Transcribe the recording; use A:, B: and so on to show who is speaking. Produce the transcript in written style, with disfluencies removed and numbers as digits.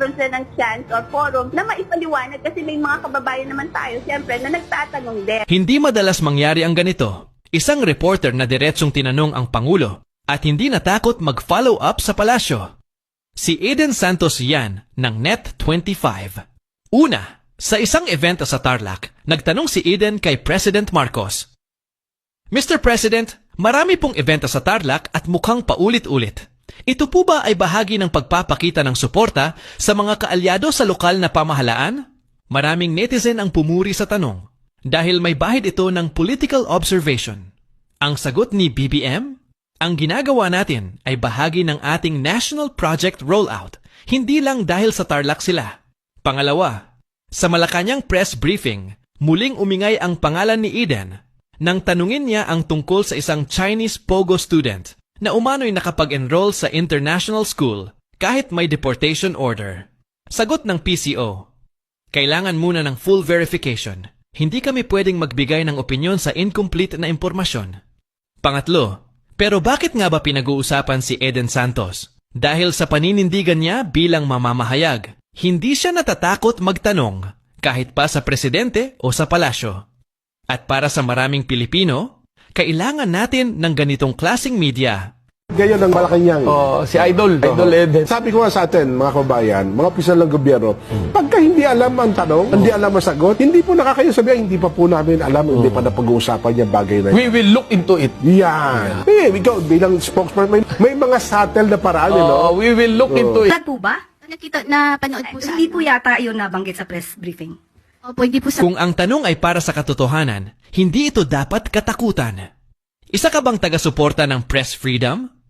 A: magkaroon sila ng chance or forum na maipaliwanag kasi may mga kababayan naman tayo, siyempre, na nagtatanong din.
B: Hindi madalas mangyari ang ganito. Isang reporter na diretsong tinanong ang Pangulo at hindi natakot mag-follow up sa palasyo. Si Eden Santos yan ng Net25. Una, sa isang event sa Tarlac, nagtanong si Eden kay President Marcos. Mr. President, marami pong event sa Tarlac at mukhang paulit-ulit. Ito po ba ay bahagi ng pagpapakita ng suporta sa mga kaalyado sa lokal na pamahalaan? Maraming netizen ang pumuri sa tanong dahil may bahid ito ng political observation. Ang sagot ni BBM, ang ginagawa natin ay bahagi ng ating national project rollout, hindi lang dahil sa Tarlac sila. Pangalawa, sa Malacanang press briefing, muling umingay ang pangalan ni Eden nang tanungin niya ang tungkol sa isang Chinese Pogo student na umano'y nakapag-enroll sa international school kahit may deportation order. Sagot ng PCO, kailangan muna ng full verification. Hindi kami pwedeng magbigay ng opinyon sa incomplete na impormasyon. Pangatlo, pero bakit nga ba pinag-uusapan si Eden Santos? Dahil sa paninindigan niya bilang mamamahayag, hindi siya natatakot magtanong kahit pa sa presidente o sa palasyo. At para sa maraming Pilipino, kailangan natin ng ganitong klaseng media.
C: Gayon ang Malacanang.
D: Si Idol. Idol Eden.
C: Sabi ko nga sa atin, mga kabayan, mga opisyal ng gobyerno, pagka hindi alam ang tanong, hindi alam ang sagot, hindi po nakakayo sabihin, hindi pa po namin alam, hindi pa na pag-uusapan yung bagay na yun.
D: We will look into it.
C: Yan. Ikaw bilang spokesman, may mga subtle na paraan,
D: We will look into it.
E: Lahat po ba?
F: Nakita na panood po sa
E: Hindi po yata yun nabanggit sa press briefing.
F: Opo, hindi po sa
B: Kung ang tanong ay para sa katotohanan, hindi ito dapat katakutan. Isa ka bang taga-suporta ng press freedom?